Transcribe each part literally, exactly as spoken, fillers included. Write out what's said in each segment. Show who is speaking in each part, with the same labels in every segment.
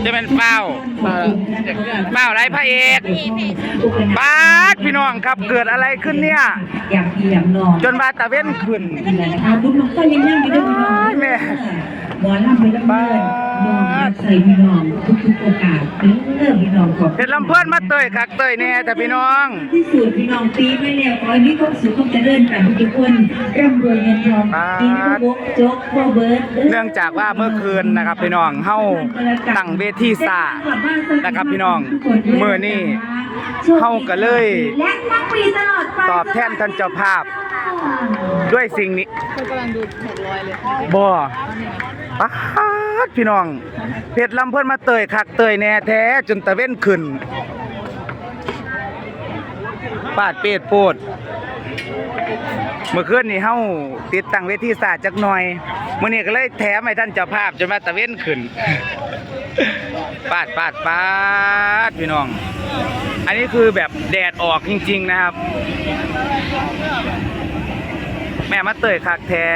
Speaker 1: จะเป็นเป้าเป้าไรพระเอกบาสพี่น้องครับเกิดอะไรขึ้นเนี่ยจนบาตะเว้นขึ้นแม่
Speaker 2: หมอลำไปลำเลินน้องใส่พี่น้องทุกๆโอกาสเริ่มพี่น้องขอบ
Speaker 1: เห็นลำเพิ่นมาเตยคักเตยแน่แต่พี่น้อง
Speaker 2: ที่สุดพี่น้องปีไม่เร็วขอให้มีความสุขความเจริญกันทุกคนร่ำรวยเงินทองกินข้าวบกโจ๊กข้าวเบิร์ด
Speaker 1: เนื่องจากว่าเมื่อคืนนะครับพี่น้องเฮาตั้งเวทีซ่านะครับพี่น้องเมื่อนี้เฮาก็เลยตอบแทนท่านเจ้าภาพด้วยสิ่งนี้
Speaker 3: เขากำลังดูหกร้อยเลย
Speaker 1: บ่ป๊าดพี่น้องเพชรลำเพิ่นมาเตยคักเตยแน่แท้จนตะเว้นขึ้นปาดเป็ดโพดเมื่อคืนนี้เฮาติดตั้งเวทีซ่าจักหน่อยมื้อนี้ก็เลยแถมให้ท่านเจ้าภาพจนมาตะเว้นขึ้นปาดปาดปาดพี่น้องอันนี้คือแบบแดดออกจริงๆนะครับแม่มาเตยคักแท้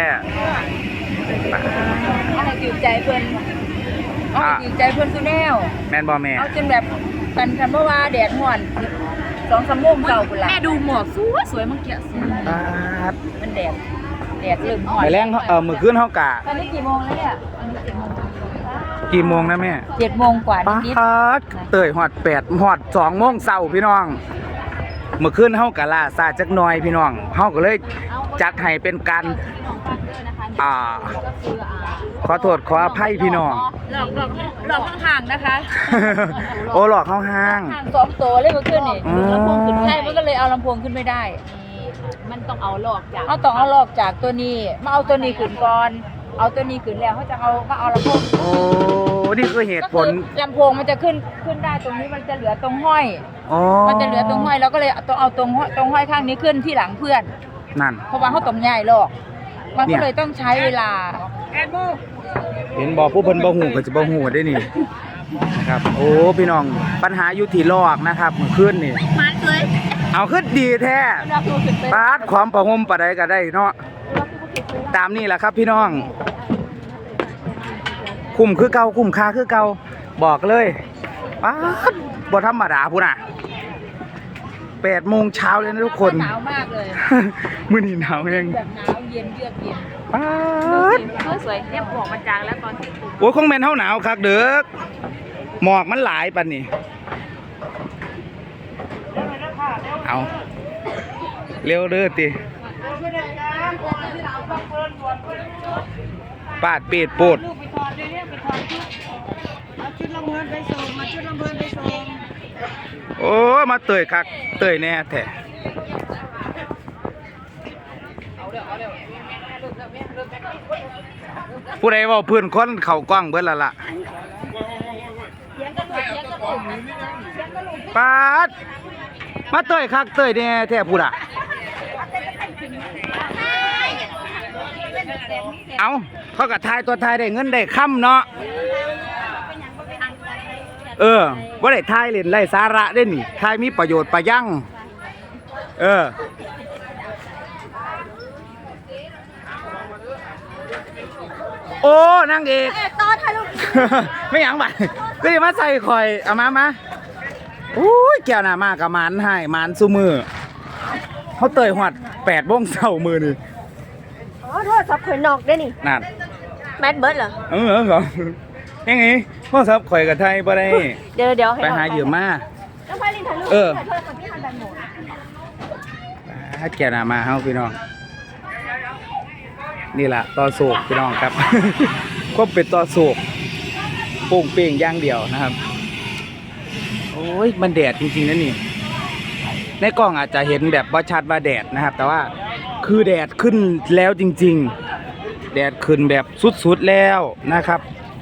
Speaker 3: อะไรจิตใจเพื่อนเอาจิตใจเพื่อนคือแนว
Speaker 1: แม่นบ่แม่
Speaker 3: เอาจนแบบกันคำเพราะว่าแดดห่อนสองสามโมงเก่าคุณล่ะแม่ดูหมอกสวยสวยเมื่อกี้สวยมันแดดแดดเริ่มห่อน
Speaker 1: ไปแรงเออเมื่อคืนเฮากะ
Speaker 3: ตอนนี้กี่โมงแล้วเนี่ยอันนี้เจ็ดโมง
Speaker 1: กี่โมงนะแม่
Speaker 3: เจ็ดโมงกว่านิด
Speaker 1: เตยหอดแปดหอดสองโมงเช้าพี่น้องเมื่อคืนเฮากะล่าซาจักหน่อยพี่น้องเฮาก็เลยจัดให้เป็นการอ่าขอโทษขออภัยพี่น้อง
Speaker 3: หลอกหลอกหลอกข้างๆนะคะ
Speaker 1: โอ้หลอกเข้าห้าง
Speaker 3: ห้างสองตัวเลยเมื่อคืนนี่ลำโพงขึ้นใช่มันก็เลยเอาลำโพงขึ้นไม่ได้มันต้องเอาหลอกจากเอาต้องเอาหลอกจากตัวนี้มาเอาตัวนี้ขึ้นก่อนเอาตัวนี้ขึ้นแล้วเขาจะเอามาเอาลำโพง
Speaker 1: โอ้นี่คือเหตุผล
Speaker 3: ลำโพงมันจะขึ้นขึ้นได้ตรงนี้มันจะเหลือตรงห้อยมันจะเหลือตรงห้อยแล้วก็เลยต้องเอาตรงตรงห้อยข้างนี้ขึ้นที่หลังเพื่อน
Speaker 1: นั่น
Speaker 3: เพราะว่าเขาต้องใหญ่หรอกมันก็เลยต้องใช้เวลา
Speaker 1: เห็นบอกผู้เพิ่นบ่ฮู้ก็จะบ่ฮู้ได้นี่นะครับโอ้พี่น้องปัญหาอยู่ที่ลอกนะครับเมื่อคืนนี่
Speaker 3: มันเลย
Speaker 1: เอาขึ้นดีแท้ปาดความประหมประใดก็ได้เนาะตามนี่แหละครับพี่น้องคุ้มคือเก่าคุ้มค่าคือเก่าบอกเลยปาดบ่ธรรมดาพุ่นน่ะแปดโมงเช้าเลยนะทุกคน
Speaker 3: หนาวมากเลย
Speaker 1: มื้อนี้หนาวแฮง
Speaker 3: แบบหนาวเย็นเยือกเย็น
Speaker 1: ป๊าด
Speaker 3: สวยเนี่ยหมอกมันจางแล้วตอนถึง
Speaker 1: โอ้ยคงแม่นเฮาหนาวคักเด้อหมอกมันหลายปานนี้เอาเร็วเด้อติปาดเป็ดโปดโอ้มาเตยคักเตยแน่แท้ผู้ใดว่าเพื่อนคนเข่ากล้องเบิดละล่ะปาดมาเตยคักเตยแน่แท้ผู้ล่ะเอาเขาก็ทายตัวทายได้เงินได้ค่ำเนาะเออว่าได้ทายเล่นไร้สาระได้นี่ทายมีประโยชน์ประยั่งเออโอ้นางเอกต่อถ่ายรูปไม่หยังบ่ก็อย่ามาใส่คอยเอามามาอุ้ยแก้วหน้ามากกับมันให้มันซูมือเขาเตยหอดแปดโมงเช้ามือนี่
Speaker 3: อ๋อโทษสับข่อยนอกได้นี่
Speaker 1: นั่น
Speaker 3: แมทเบิร์ดเหรอ
Speaker 1: เออเหรอยังไงพ่อซับข่อยกับไทยบ่ได้
Speaker 3: เดี๋ยวเดี๋ยว
Speaker 1: ไปหาเหยื่อมาเออถ้าแก้วหน้ามาเฮาพี่น้องนี่แหละต่อโศกพี่น้องครับก็เป็นต่อโศกโป่งเป่งอย่างเดียวนะครับโอ้ยมันแดดจริงๆนะนี่ในกล้องอาจจะเห็นแบบว่าชัดว่าแดดนะครับแต่ว่าคือแดดขึ้นแล้วจริงๆแดดขึ้นแบบสุดๆแล้วนะครับ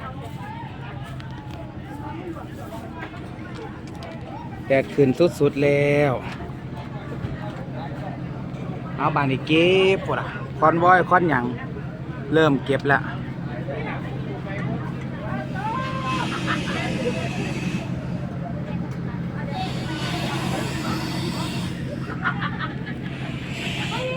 Speaker 1: แดดขึ้นสุดๆแล้วเอาบางทีเก็บพวกคอนวอยคอนหยังเริ่มเก็บแล้ว